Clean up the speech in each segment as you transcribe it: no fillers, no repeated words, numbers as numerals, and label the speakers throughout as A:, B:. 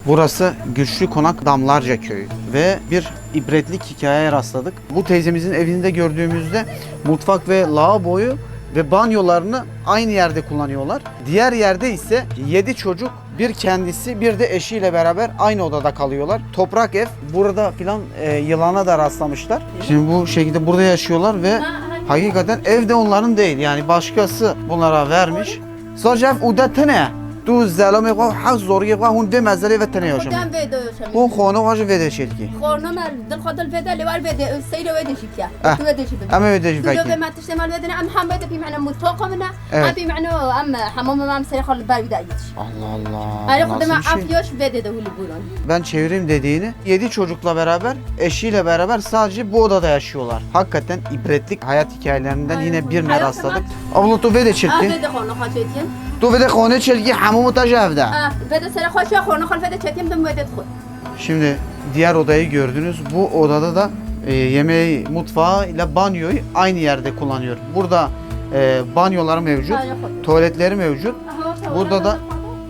A: Burası Güçlü Konak Damlarca Köyü ve bir ibretlik hikayeye rastladık. Bu teyzemizin evinde gördüğümüzde mutfak ve lavaboyu ve banyolarını aynı yerde kullanıyorlar. Diğer yerde ise 7 çocuk, bir kendisi, bir de eşiyle beraber aynı odada kalıyorlar. Toprak ev. Burada filan yılana da rastlamışlar. Şimdi bu şekilde burada yaşıyorlar ve hakikaten ev de onların değil. Yani başkası bunlara vermiş. Sadece uda ne? تو زلمه قا حق زوری قا هون ده مزله و تنه
B: خودم
A: هاشم
B: ویدیو شم.
A: هون خانه هاش ویده شلکی
B: خورنا مال دل خدل ویدیو لیوال ویدیو سیل ویدیو شکیا. تو ویدیو شی ببین.
A: اما ویده شی
B: تو لو
A: فکی
B: ما تشتمل ویدیو ام حمد بی معنی مطفق منه.
A: Evet.
B: ام بی معنی ام حمام ما سیل خال بای ویدیوش.
A: Allah Allah.
B: آره
A: Bu
B: خودم
A: nasıl bir şey?
B: عافیوش ویدیو هولی بودن.
A: Ben çevireyim dediğini 7 çocukla beraber, eşiyle beraber sadece bu odada yaşıyorlar. Hakikaten ibretlik hayat hikayelerinden yine birine rastladık. Abla tu vede
B: آه
A: çelki.
B: ویدیو خورنا خواهیم.
A: Tu vede khane çelki hamumu tajavda.
B: آه ویدیو سر خواهش خورنا خال ویدیو چتیم دم ویدیو خود.
A: Şimdi diğer odayı gördünüz. Bu odada da yemeği, mutfağı ile banyoyu aynı yerde kullanıyor. Burada banyoları mevcut, tuvaletleri mevcut. Burada da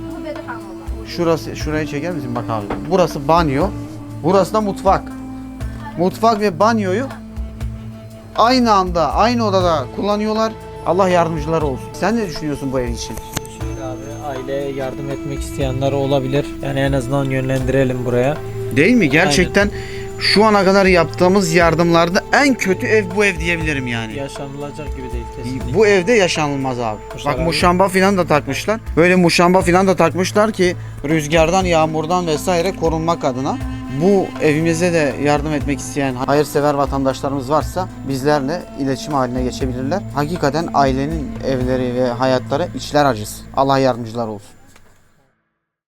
A: şurayı çeker misin bak abi. Burası banyo, burası da mutfak. Mutfak ve banyoyu aynı anda, aynı odada kullanıyorlar. Allah yardımcıları olsun. Sen ne düşünüyorsun bu ev için?
C: Şimdi abi aileye yardım etmek isteyenler olabilir. Yani en azından yönlendirelim buraya.
A: Değil mi? Gerçekten şu ana kadar yaptığımız yardımlarda en kötü ev bu ev diyebilirim yani.
C: Yaşanılacak gibi değil kesinlikle.
A: Bu evde yaşanılmaz abi.
C: Kuşlar
A: Bak
C: abi.
A: muşamba filan da takmışlar. Böyle muşamba filan da takmışlar ki rüzgardan, yağmurdan vesaire korunmak adına. Bu evimize de yardım etmek isteyen hayırsever vatandaşlarımız varsa bizlerle iletişim haline geçebilirler. Hakikaten ailenin evleri ve hayatları içler acısı. Allah yardımcılar olsun.